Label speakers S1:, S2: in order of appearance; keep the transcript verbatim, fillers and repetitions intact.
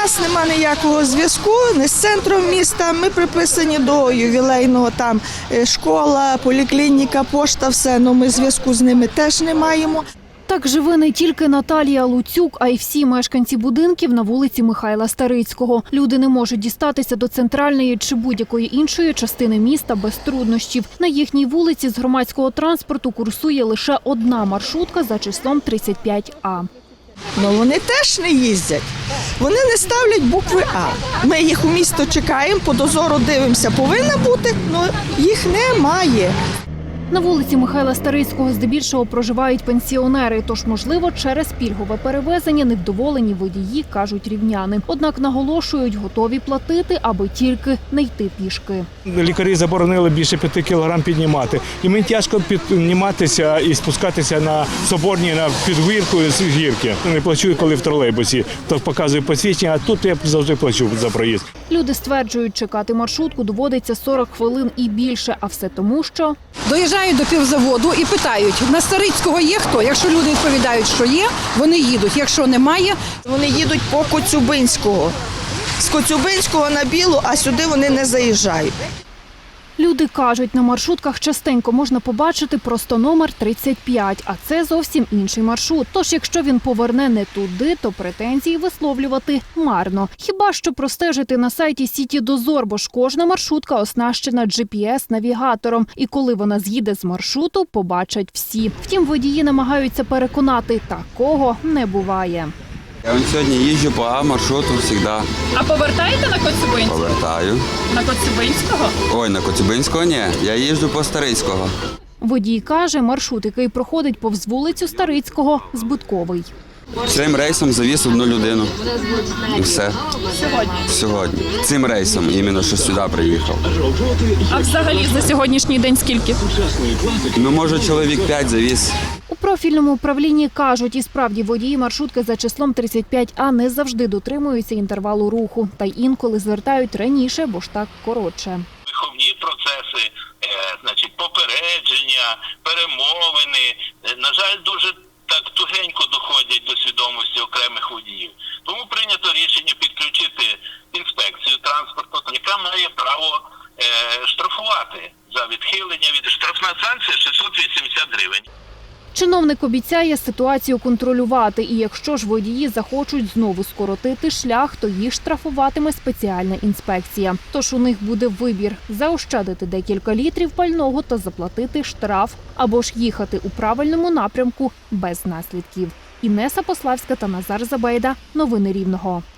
S1: нас нема ніякого зв'язку не з центром міста. Ми приписані до ювілейного, там школа, поліклініка, пошта, все. Ну, ми зв'язку з ними теж не маємо.
S2: Так живе не тільки Наталія Луцюк, а й всі мешканці будинків на вулиці Михайла Старицького. Люди не можуть дістатися до центральної чи будь-якої іншої частини міста без труднощів. На їхній вулиці з громадського транспорту курсує лише одна маршрутка за числом тридцять п'ять А.
S1: Ну, вони теж не їздять. Вони не ставлять букви А. Ми їх у місто чекаємо, по дозору дивимося, повинна бути, але їх немає.
S2: На вулиці Михайла Старицького здебільшого проживають пенсіонери, тож, можливо, через пільгове перевезення невдоволені водії, кажуть рівняни. Однак наголошують, готові платити, аби тільки не йти пішки.
S3: Лікарі заборонили більше п'яти кілограм піднімати. І мені тяжко підніматися і спускатися на Соборній, на підгірку з гірки. Не плачу, коли в тролейбусі, то показую посвідчення, а тут я завжди плачу за проїзд.
S2: Люди стверджують, чекати маршрутку доводиться сорок хвилин і більше, а все тому, що...
S4: Доїжджають до півзаводу і питають, на Старицького є хто? Якщо люди відповідають, що є, вони їдуть. Якщо немає,
S1: вони їдуть по Коцюбинського. З Коцюбинського на Білу, а сюди вони не заїжджають.
S2: Люди кажуть, на маршрутках частенько можна побачити просто номер тридцять п'ять, а це зовсім інший маршрут. Тож, якщо він поверне не туди, то претензії висловлювати марно. Хіба що простежити на сайті Сіті-Дозор, бо ж кожна маршрутка оснащена джі пі ес-навігатором. І коли вона з'їде з маршруту, побачать всі. Втім, водії намагаються переконати, такого не буває.
S5: Я вон сьогодні їжджу по А-маршруту завжди.
S6: А повертаєте на Коцюбинського?
S5: Повертаю.
S6: На Коцюбинського?
S5: Ой, на Коцюбинського ні, я їжджу по Старицького.
S2: Водій каже, маршрут, який проходить повз вулицю Старицького, збитковий.
S5: Цим рейсом завіз одну людину. І все.
S6: Сьогодні?
S5: Сьогодні. Цим рейсом, іменно, що сюди приїхав.
S6: А взагалі за сьогоднішній день скільки?
S5: Ну, може, чоловік п'ять завіз.
S2: У профільному управлінні кажуть, і справді водії маршрутки за числом тридцять п'ять А не завжди дотримуються інтервалу руху. Та й інколи звертають раніше, бо ж так коротше.
S7: Виховні процеси, е, значить, попередження, перемовини, е, на жаль, дуже так тугенько доходять до свідомості окремих водіїв. Тому прийнято рішення підключити інспекцію транспорту, яка має право е, штрафувати за відхилення від штрафна санкція шістсот вісімдесят гривень.
S2: Чиновник обіцяє ситуацію контролювати, і якщо ж водії захочуть знову скоротити шлях, то їх штрафуватиме спеціальна інспекція. Тож у них буде вибір – заощадити декілька літрів пального та заплатити штраф, або ж їхати у правильному напрямку без наслідків. Інеса Пославська та Назар Забейда. Новини Рівного.